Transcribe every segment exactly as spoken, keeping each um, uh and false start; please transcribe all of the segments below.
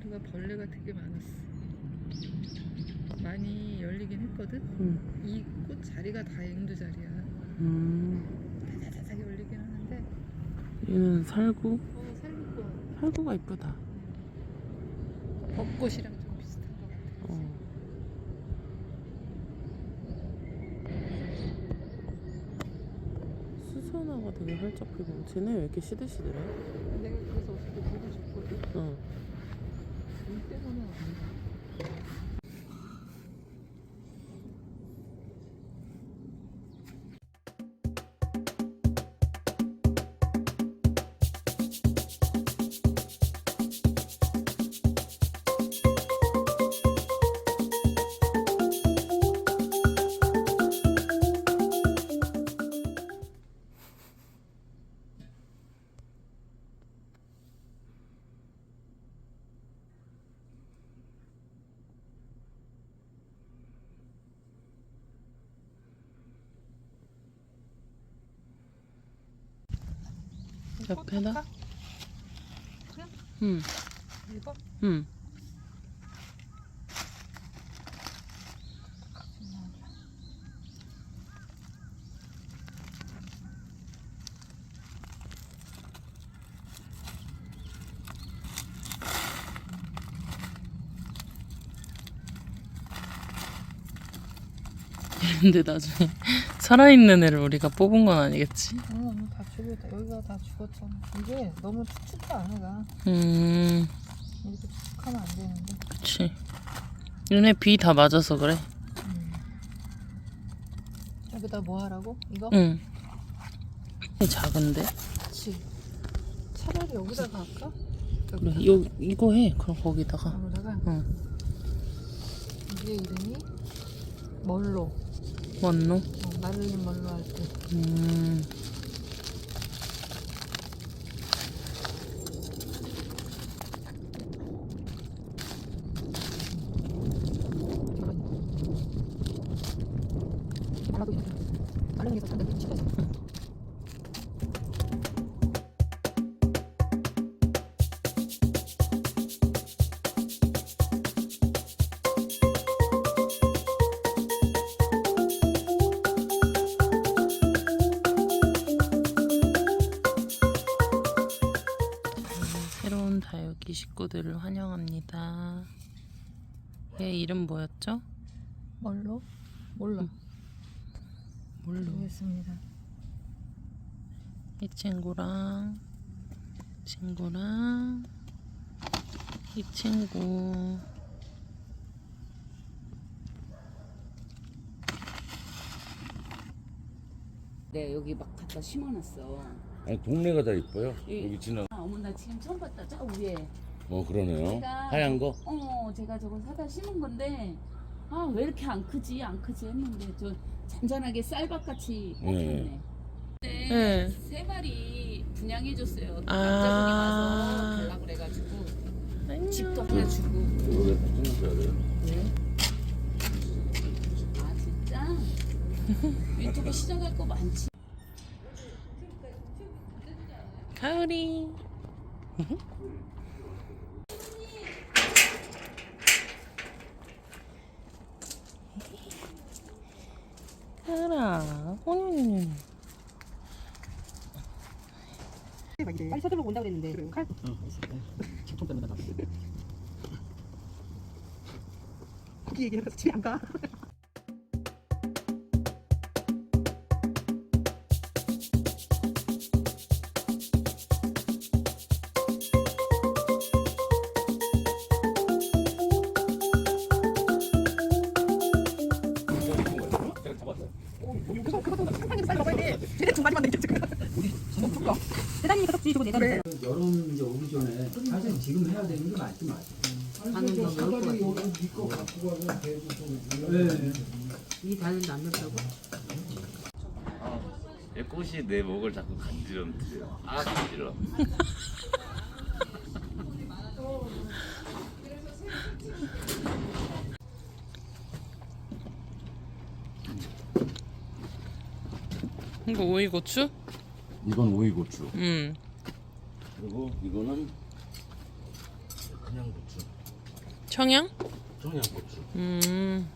여기가 벌레가 되게 많았어. 많이 열리긴 했거든. 응. 이 꽃 자리가 다 앵두 자리야. 음. 다다다닥 열리긴 하는데. 얘는 살구. 어, 살구꽃. 살구가 이쁘다. 벚꽃이랑 좀 비슷한 것 같아. 어. 수선화가 되게 활짝 피고. 쟤네 왜 이렇게 시들시들해? 내가 그래서 어떻게 보고 싶거든. 응. 이 때문에 안 돼. 옆에다? 그냥? 응. 이거? 응. 근데 나중에 살아있는 애를 우리가 뽑은 건 아니겠지? 응, 다 죽었다. 여기가 다 죽었잖아. 이게 너무 축축해 안에가. 음, 이렇게 축축하면 안 되는데. 그치. 얘네 비 다 맞아서 그래. 음. 여기다 뭐 하라고? 이거? 응. 작은데? 그치. 차라리 여기다가 할까? 그래, 요, 이거 해. 그럼 거기다가. 여기다가. 응. 이게 이름이 멀로. 뭔노? 어, 마를린 멀로 할 때. 음. 말라도 있어. 마르는 게 더 산데 집에서. 새로운 다육이 식구들을 환영합니다. 얘 이름 뭐였죠? 멀로? 몰라. 응. 뭘로? 모르겠습니다. 이 친구랑 이 친구랑 이 친구. 네, 여기 막 갖다 심어놨어. 아니 동네가 다 이뻐요. 이- 여기 지나. 아, 어머 나 지금 처음 봤다. 저 위에. 어 그러네요. 제가- 하얀 거. 어, 제가 저거 사다 심은 건데 아 왜 이렇게 안 크지 안 크지 했는데 저 잔잔하게 쌀밥같이 뽑혔네. 네. 네. 세 마리 분양해줬어요. 아. 남자분이 와서 달라고 그래가지고 안녕. 집도 하나 주고. 이거 다 찍어줘야 돼요. 네. 아 진짜? 유튜브 시작할 거 많지. 가을이. 가을아. 오늘 빨리 서둘러 온다고 그랬는데. 칼? 거기 얘기해서 집에 안 가. 그거 그거 상상해서 빨리 먹어야 돼. 쟤네 두 마리만 남겨 지금. 우리 저녁 줄까? 대단히 계속 주고 내가 그래. 여름 이제 오기 전에 사실 지금 해야 되는 게 맞지 맞지. 반은 더 넣을 것 같아. 이거 갖고 가서 배도 좀. 네. 이 반은 안 넣었다고? 이 꽃이 내 목을 자꾸 간지럼뜨려. 아 간지러. 이거 오이고추? 이건 오이고추. 음. 그리고 이거는 그냥 고추. 청양? 청양고추. 음.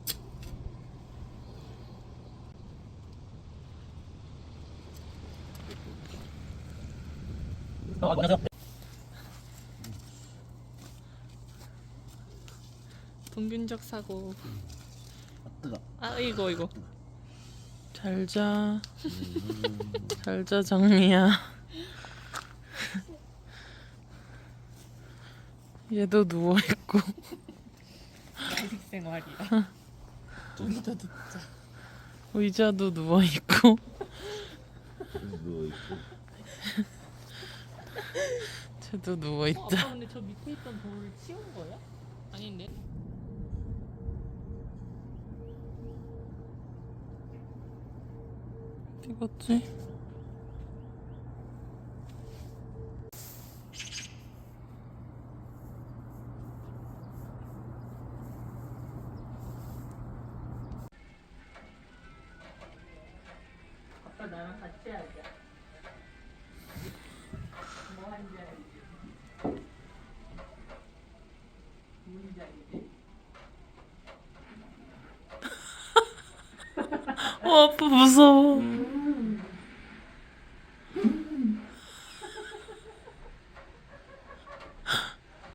동균적 사고. 뜨거. 아 이거 이거. 잘자. 잘자 장미야. 얘도 누워 있고. 야식 생활이야. 우리도 눕자. 의자도 누워 있고. 누워 있고. 쟤도 누워 어, 있다. 아빠 근데 저 밑에 있던 돌을 치운 거야? 아닌데? 찍었지? 아빠 나랑 같이 하자. 뭐 하는지 알지? 뭔지 알지? 어 아빠 무서워.